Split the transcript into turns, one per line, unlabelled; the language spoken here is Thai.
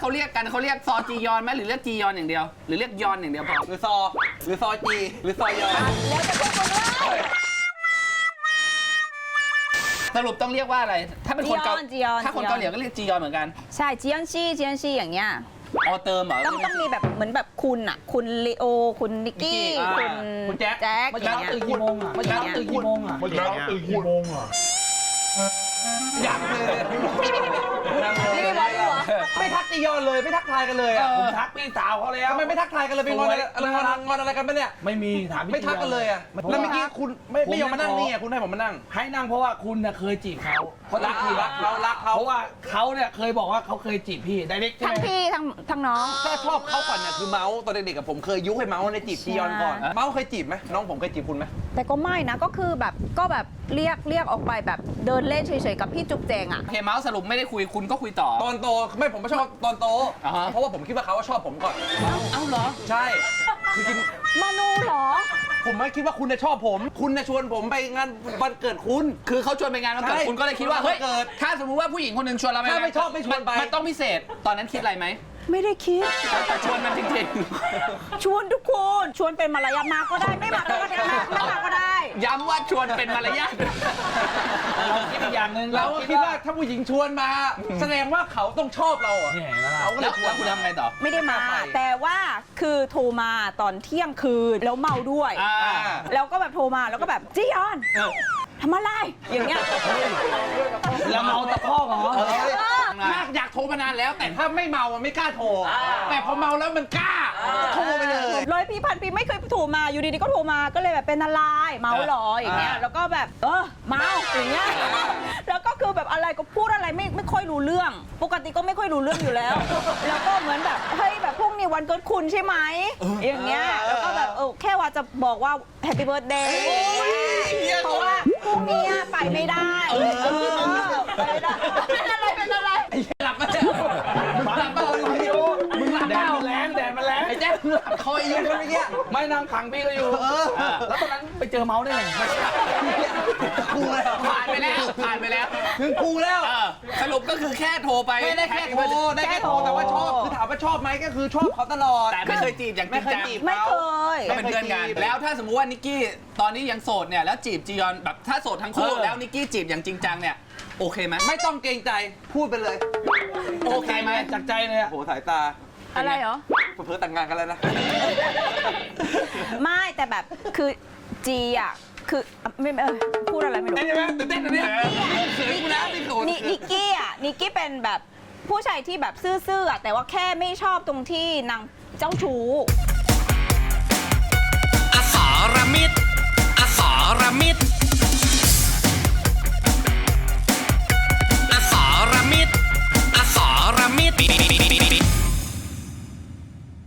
เขาเรียกกันเขาเรียกซอจียอนไหมหรือเรียกจียอนอย่างเดียวหรือเรียกยอนอย่างเดียวพอ
หรือซอจีหรือซอยอน
แล้วจะพูดคนว่า
สรุปต้องเรียกว่าอะไรถ้าเป็นคนเกา
จียอน
ถ้าคนเกาหลีก็เรียกจียอนเหมือนกัน
ใช่จียอนซี่อย่างเงี้ย
ออเติมเหรอ
ต้องมีแบบเหมือนแบบคุณอ่ะคุณลีโอคุณนิกกี้คุณแจ็ค
เมื่อเช้าตื่นกี่โมงอ่ะเมื่อเช้าตื่นกี่โมงอ่ะ
อยากเลย
นี่บอกหัว
ไม่ทักจียอนเลยไม่ทักทายกันเลยอ่ะ
ผมทักพี่สาวเขาแล้ว
ทำไมไม่ทักทายกันเลยไปงอนอะไรกันปะเนี่ย
ไม่มีถามพี่
ไม่ทักกันเลยอ่ะแล้วเมื่อกี้คุณไม่ยอมมานั่งนี่อ่ะคุณให้ผมมานั่ง
ให้นั่งเพราะว่าคุณน่ะเคยจีบเขาเขารักพี่
รักเขา
เพราะว่าเขาเนี่ยเคยบอกว่าเขาเคยจีบพี่ไดเรกใช่
ทั้ง
ไหม
พี่ทั้งน้อง
ถ้าชอบเขาก่อนเนี่ยคือเมาส์ตอนเด็กๆกับผมเคยยุให้เมาส์ในจีบจียอนก่อนเมาส์เคยจีบไหมน้องผมเคยจีบคุณไหม
แต่ก็ไม่นะก็คือแบบเรียกออกไปแบบเดินเล่นเฉยๆกับพี่จุ๊บแจงอ่ะ
โอเคเมาส์สรุปไม่ได้คุยคุณก็คุยต่อ
ตอนโตไม่ผมไม่ชอบตอนโต
อ่าฮะ
เพราะว่าผมคิดว่าเขาชอบผมก่อน
เอ้าเหรอ
ใช่คือจริง
มานูเหรอ
ผมไม่คิดว่าคุณจะชอบผม คุณจะชวนผมไปงานวันเกิดคุณ
คือเขาชวนไปงานวันเกิด
ใช่
คุณก็เลยคิดว่าเฮ้ย
วันเกิด
ถ้าสมมติว่าผู้หญิงคนหนึ่งชวนเราไป
ถ้าไม่ชอบไม่ชวนไป
มันต้องพิเศษตอนนั้นคิดอะไรไหม
ไม่ได้คิด
แต่ชวนมันจริง
ชวนทุกคนชวนเป็นมารยาทมาก็ได้ไม่มาก็ได้ไม่มาก็ได้
ๆย้ำว่าชวนเป็นมารยาท
เราคิดอีกอย่างหนึ่ง
เราก็คิดว่าถ้าผู้หญิงชวนมา แสดงว่าเขาต้องชอบเราอ่ะ
เนี่ยเห็นไหมล่ะ
เขาก็เล
แล้
ยว ชว
แล้
น
วคุณทำไงต่อ
ไม่ได้มา
ไป
แต่ว่าคือโทรมาตอนเที่ยงคืนแล้วเมาด้วย
อ่า
แล้วก็แบบโทรมาแล้วก็แบบจียอนทำอะไรอย่างเงี้ย
แล้วเมาตะคอกเหรอ
ถ้าอยากโทรมานานแล้ว แต่ถ้าไม่เมามันไม่กล้าโทร แต่พอเมาแล้วมันกล้าโทรไปเลย
ร้อยพี่พันปีไม่เคยโทรมาอยู่ดีๆก็โทรมาก็เลยแบบเป็นอะไรเมาเหรออย่างเงี้ยแล้วก็แบบเมาอย่างเงี้ยแล้วก็คือแบบอะไรก็พูดอะไรไม่ค่อยรู้เรื่อง ปกติก็ไม่ค่อยรู้เรื่องอยู่แล้ว แล้วก็เหมือนแบบเฮ้ยแบบพรุ่งนี้วันเกิดคุณใช่ไหมอย่างเงี้ยแล้วก็แบบแค่ว่าจะบอกว่าแฮปปี้เบิร์ธเดย์เพราะว่าพรุ่งนี้ไปไม่ได้ไปไม่ได้เป็นอะไร
หลับมาแล้วมึงหลับมาแล้วพี่โอมึงหลับ
แด
มา
ดมันแรงแดดมันแรง
ไอ้แจ๊คมึงหลับคอยยืนคนเมื่อกี้
ไม่นั่งขังพี่ก็อยู่แล้วตอนนั้นไปเจอเมาส์ได้ไง
กูแล้ว
ผ่านไปแล้ว
ถึงกูแล้ว
สรุปก็คือแค่โทรไป
ไม่ได้แค่โทรได้แค่โทรแต่ว่าชอบคือถามว่าชอบไหมก็คือชอบเขาตลอด
แต่ไม่เคยจีบอย่างจริ
ไม่
ง
เคย
จัง
จีบ
ไม่เคย
ก็เป็นเพื่อนกัน แล้วถ้าสมมุติว่านิกกี้ตอนนี้ยังโสดเนี่ยแล้วจีบจียอนแบบถ้าโสดทั้งคู่แล้วนิกกี้จีบอย่างจริงจังเนี่ยโอเคไหม
ไม่ต้องเกรงใจพูดไปเลย
โอเคไหม
จากใจเลยอะ
โหสายตา
อะไรเหรอ
เพิ่งแต่งงานกันแล้วนะ
ไม่แต่แบบคือจีอ่ะคือไม่พูดอะไรไม่รู้
เต้นใช่ไหมตื่นเต้นนะเนี่ยเขินกูนะนี่โกรธ
นิกกี้เป็นแบบผู้ชายที่แบบซื่อๆอ่ะแต่ว่าแค่ไม่ชอบตรงที่นางเจ้าชู้